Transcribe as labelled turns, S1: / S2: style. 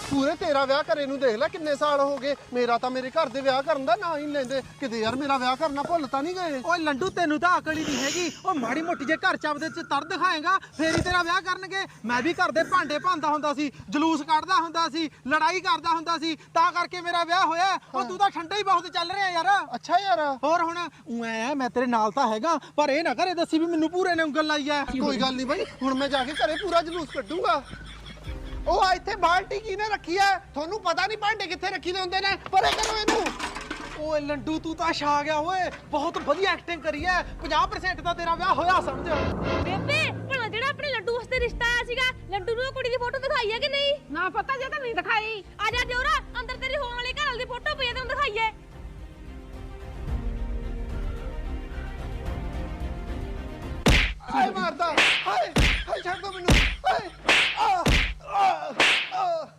S1: ਪੂਰੇ ਤੇਰਾ ਵਿਆਹ ਕਰੇ ਨੂੰ ਦੇਖ ਲੈ ਕਿੰਨੇ ਸਾਲ ਹੋ ਗਏ। ਮੇਰਾ ਤਾਂ ਮੇਰੇ ਘਰ ਦੇ ਵਿਆਹ ਕਰਨ ਦਾ ਨਾਂ ਹੀ ਲੈਂਦੇ ਕਿਤੇ। ਯਾਰ ਮੇਰਾ ਵਿਆਹ ਕਰਨਾ ਭੁੱਲ ਤਾਂ ਨਹੀਂ ਗਏ।
S2: ਓਏ ਲੰਡੂ ਤੈਨੂੰ ਤਾਂ ਅਕਲ ਹੀ ਨਹੀਂ ਹੈਗੀ। ਉਹ ਮਾੜੀ ਮੋਟੀ ਜੇ ਘਰ ਚੱਬਦੇ ਚ ਤਰ ਦਿਖਾਏਗਾ ਫੇਰ ਹੀ ਤੇਰਾ ਵਿਆਹ ਕਰਨਗੇ। ਮੈਂ ਵੀ ਘਰ ਦੇ ਭਾਂਡੇ ਭਾਂਦਾ ਹੁੰਦਾ ਸੀ, ਜਲੂਸ ਕੱਢਦਾ ਹੁੰਦਾ ਸੀ, ਲੜਾਈ ਕਰਦਾ ਹੁੰਦਾ ਸੀ, ਤਾਂ ਕਰਕੇ ਮੇਰਾ ਵਿਆਹ ਹੋਇਆ। ਉਹ ਤੂੰ ਤਾਂ ਠੰਡਾ ਹੀ ਬਹੁਤ ਚੱਲ ਰਿਹਾ ਯਾਰ।
S1: ਅੱਛਾ ਯਾਰ
S2: ਹੋਰ ਹੁਣ ਮੈਂ ਤੇਰੇ ਨਾਲ ਤਾਂ ਹੈਗਾ, ਪਰ ਇਹ ਨਾ ਘਰੇ ਦੱਸੀ ਵੀ ਮੈਨੂੰ ਪੂਰੇ ਨੇ ਉਂਗਲ ਲਾਈ ਐ।
S1: ਕੋਈ ਗੱਲ ਨਹੀਂ ਬਾਈ, ਹੁਣ ਮੈਂ ਜਾ ਕੇ ਘਰੇ ਪੂਰਾ ਜਲੂਸ ਕੱਢੂੰਗਾ। ਉਹ ਇੱਥੇ ਬਾਲਟੀ ਕਿਹਨੇ ਰੱਖੀ ਐ? ਤੁਹਾਨੂੰ ਪਤਾ ਨਹੀਂ ਭਾਂਡੇ ਕਿੱਥੇ ਰੱਖੀ ਦੇ ਹੁੰਦੇ ਨੇ? ਪਰੇ ਕਰੋ ਇਹਨੂੰ।
S2: ਓਏ ਲੰਡੂ ਤੂੰ ਤਾਂ ਛਾ ਗਿਆ ਓਏ, ਬਹੁਤ ਵਧੀਆ ਐਕਟਿੰਗ ਕਰੀ ਐ। 50% ਦਾ ਤੇਰਾ ਵਿਆਹ ਹੋਇਆ ਸਮਝ।
S3: ਬੇਬੇ ਭਲਾ ਜਿਹੜਾ ਆਪਣੇ ਲੱਡੂ ਵਾਸਤੇ ਰਿਸ਼ਤਾ ਆਇਆ ਸੀਗਾ, ਲੱਡੂ ਨੂੰ ਉਹ ਕੁੜੀ ਦੀ ਫੋਟੋ ਦਿਖਾਈ ਹੈ ਕਿ ਨਹੀਂ?
S4: ਨਾ ਪਤਾ ਜੇ ਤਾਂ ਨਹੀਂ ਦਿਖਾਈ।
S3: ਆ ਜਾ ਦਿਓਰਾ, ਅੰਦਰ ਤੇਰੀ ਹੋਣ ਵਾਲੀ ਘਰ ਵਾਲੀ ਦੀ ਫੋਟੋ ਪਈ ਹੈ, ਤੈਨੂੰ ਦਿਖਾਈਏ।
S1: ਆਏ ਮਾਰਦਾ ਹਾਏ।